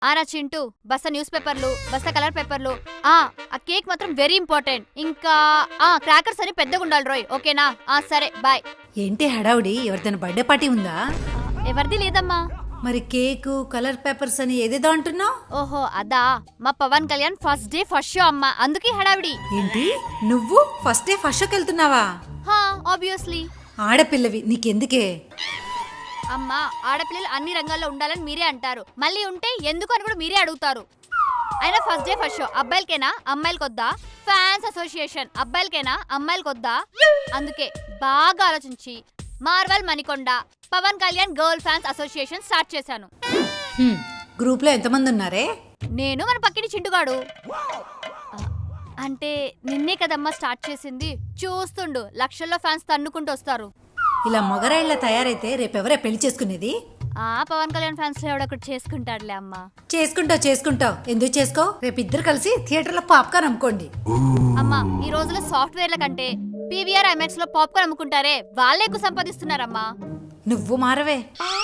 ఆరా చింటూ బస్తా న్యూస్ పేపర్లు బస్తా కలర్ పేపర్లు ఆ కేక్ మాత్రం వెరీ ఇంపార్టెంట్. ఇంకా క్రాకర్స్ అని పెద్దగా ఉండాలి రోయ్, ఓకేనా? సరే బాయ్. ఏంటి హడావుడి? ఎవరిదైనా బర్త్డే పార్టీ ఉందా? ఎవరిది లేదమ్మా. మరి కేకు కలర్ పేపర్స్ అని ఏదేదో అంటున్నావు? ఓహో అదా, మా Pawan Kalyan first day first show అమ్మా, అందుకే హడావిడి. ఏంటి నువ్వు ఫస్ట్ డే ఫస్ట్ షోకి వెళ్తున్నావా? ఆబ్వియస్లీ. ఆడపిల్లవి నీకెందుకే? అమ్మా ఆడపిల్లలు అన్ని రంగాల్లో ఉండాలని మీరే అంటారు, మళ్ళీ ఉంటే ఎందుకు అని కూడా మీరే అడుగుతారు. అయినా ఫస్ట్ డే ఫస్ట్ షో అబ్బాయిలకేనా అమ్మాయిలకొద్దా? ఫ్యాన్స్ అసోసియేషన్ అబ్బాయిలకేనా అమ్మాయిలకొద్దా? అందుకే బాగా ఆలోచించి Marvel Manikonda Pawan Kalyan girl fans association start చేశాను. గ్రూప్ లో ఎంతమంది ఉన్నారే? నేను మన పక్కిడి చింటుగాడు. అంటే నిన్నే కదమ్మా స్టార్ట్ చేసింది, చూస్తుండు లక్షల్లో ఫ్యాన్స్ తన్నుకుంటూ వస్తారు. ఇలా మొగరాయిలా తయారైతే రేపెవరే పెళ్లి చేసుకునేది? పవన్ కళ్యాణ్ ఫ్యాన్స్ లో ఎవడొకటి చేసుకుంటాడులే అమ్మా. చేసుకుంటావు ఎందుకు చేసుకో? రేపు ఇద్దరు కలిసి థియేటర్ లో పాప్కార్న్ అమ్ముకోండి. అమ్మా ఈ రోజుల్లో సాఫ్ట్వేర్ల కంటే పీవీఆర్ ఐమాక్స్ లో పాప్కార్న్ అమ్ముకుంటారే వాళ్ళే ఎక్కువ సంపాదిస్తున్నారమ్మా. నువ్వు మారవే.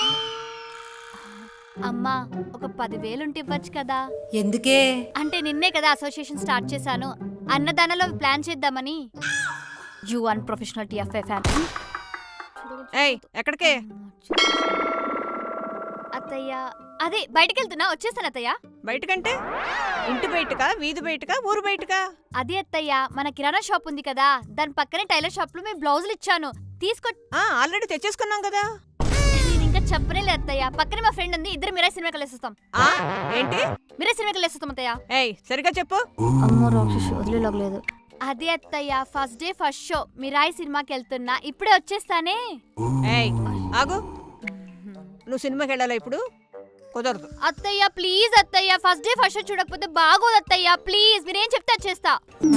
అమ్మా ఒక 10,000 ఉంటే ఇవ్వచ్చు కదా? ఎందుకే? అంటే నిన్నే కదా అసోసియేషన్ స్టార్ట్ చేశాను, అన్నదానంలో ప్లాన్ చేద్దామని. You unprofessional TFI fan. ఎక్కడికే? అత్తయ్య అదే బయటికి వెళ్తున్నా, వచ్చేసాను అత్తయ్య. బయటకంటే ఇంటి బయటకా వీధి బయటకా ఊరు బయటకా? అదే అత్తయ్య మన కిరాణా షాప్ ఉంది కదా, దాని పక్కనే టైలర్ షాప్ లో మీ బ్లౌజులు ఇచ్చాను తీసుకో. ఆల్రెడీ తెచ్చేసుకున్నాం కదా. నేను ఇంకా చెప్పనే అత్తయ్య, పక్కనే మా ఫ్రెండ్ ఉంది, ఇద్దరు మీరే సినిమాకి వెళ్ళేస్తాం. ఏంటి మీరే సినిమాకి వెళ్ళేస్తాం అత్తయ్య. సరిగా చెప్పు. అమ్మో రాక్షసి వదిలేలాగలేదు. అదే అత్తయ్య first day first show Mirai సినిమాకి వెళ్తున్నా, ఇప్పుడే వచ్చేస్తానే. ఆగు, నువ్వు సినిమాకి వెళ్ళాలా ఇప్పుడు? కుదరదు అత్తయ్య ప్లీజ్ అత్తయ్య, ఫస్ట్ డే ఫస్ట్ షో చూడకపోతే బాగోదు అత్తయ్య, ప్లీజ్ మీరేం చెప్తే వచ్చేస్తా.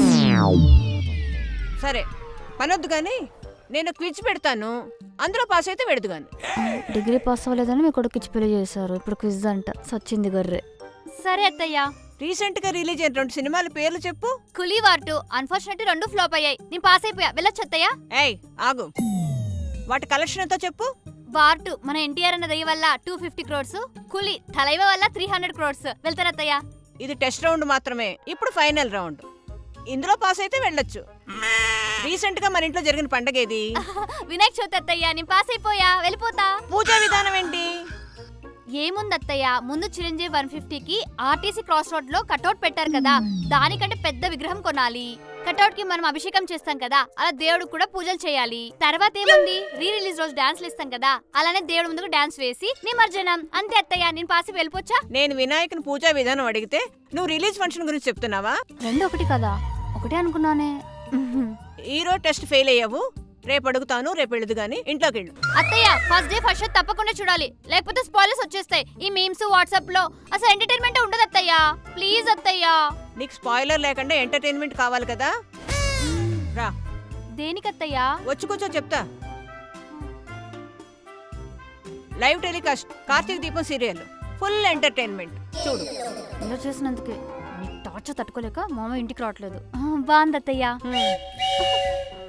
సరే పనొద్దు కానీ నేను క్విజ్ పెడతాను, అందులో పాస్ అయితే పెడదు కానీ. డిగ్రీ పాస్ అవ్వలేదని మీ కొడుకు ఇచ్చి పెళ్లి చేశారు, ఇప్పుడు క్విజ్ అంట సచ్చింది గర్రె. సరే అత్తయ్య. రీసెంట్ గా రిలీజ్ అయిన 2 సినిమాల పేర్లు చెప్పు. కులీ వార్ 2 అన్ఫార్చునేట్లీ 2 ఫ్లాప్ అయ్యాయి, నేను పాస్ అయిపోయా, వెళ్ళొచ్చు అత్తయ్య. ఆగు, వాటి కలెక్షన్ ఎంతో చెప్పు. వార్ 2 మన ఎన్టీఆర్ అన్న దయ వల్ల 250 crores, కులీ తలైవ వల్ల 300 crores. వెళ్తారత్తయ్య. ఇది టెస్ట్ రౌండ్ మాత్రమే, ఇప్పుడు ఫైనల్ రౌండ్. ఇందులో పాస్ అయితే వెళ్ళొచ్చు. రీసెంట్ గా మన ఇంట్లో జరిగిన పండగ ఏది? వినాయక చవితి అత్తయ్య, నేను పాస్ అయిపోయా, వెళ్ళిపోతా. పూజా విధానం ఏంటి? ఏముంది అత్తయ్య, ముందు చిరంజీవి 150కి ఆర్టీసీ క్రాస్ రోడ్ లో కటౌట్ పెట్టారు కదా, దానికంటే పెద్ద విగ్రహం కొనాలి. కటౌట్ కి మనం అభిషేకం చేస్తాం కదా, అలా దేవుడు కూడా పూజలు చేయాలి. తర్వాత ఏముంది, రీ రిలీజ్ రోజు డాన్స్లు ఇస్తాం కదా, అలానే దేవుడు ముందుకు డాన్స్ వేసి నిమజ్జనం. అంతే అత్తయ్య, నేను పాసి వెళ్ళిపోచ్చా? నేను వినాయకుని పూజా విధానం అడిగితే నువ్వు రిలీజ్ ఫంక్షన్ గురించి చెప్తున్నావా? రెండు ఒకటి కదా? ఒకటే అనుకున్నానే. ఈరోజు టెస్ట్ ఫెయిల్ అయ్యావు, రేపు అడుగుతాను, రేపు వెళ్ళదు గానీ ఇంట్లోకి వెళ్ళు. అత్తయ్య ఫస్ట్ డే ఫస్ట్ షో తప్పకుండా చూడాలి, లేకపోతే స్పాయిలర్స్ వచ్చేస్తాయి. ఈ మీమ్స్ వాట్సాప్ లో అసలు ఎంటర్టైన్మెంట్ ఉండదు అత్తయ్య, ప్లీజ్ అత్తయ్య. నీకు స్పాయిలర్ లేకుండా ఎంటర్టైన్మెంట్ కావాలి కదా, రా. దేనికి అత్తయ్య? వచ్చి కూర్చో చెప్తా. లైవ్ టెలికాస్ట్ కార్తీక దీపం సీరియల్, ఫుల్ ఎంటర్టైన్మెంట్ చూడు. ఇలా చేసినందుకే నీ టార్చర్ తట్టుకోలేక మామ ఇంటికి రావట్లేదు. బాగుంది అత్తయ్య.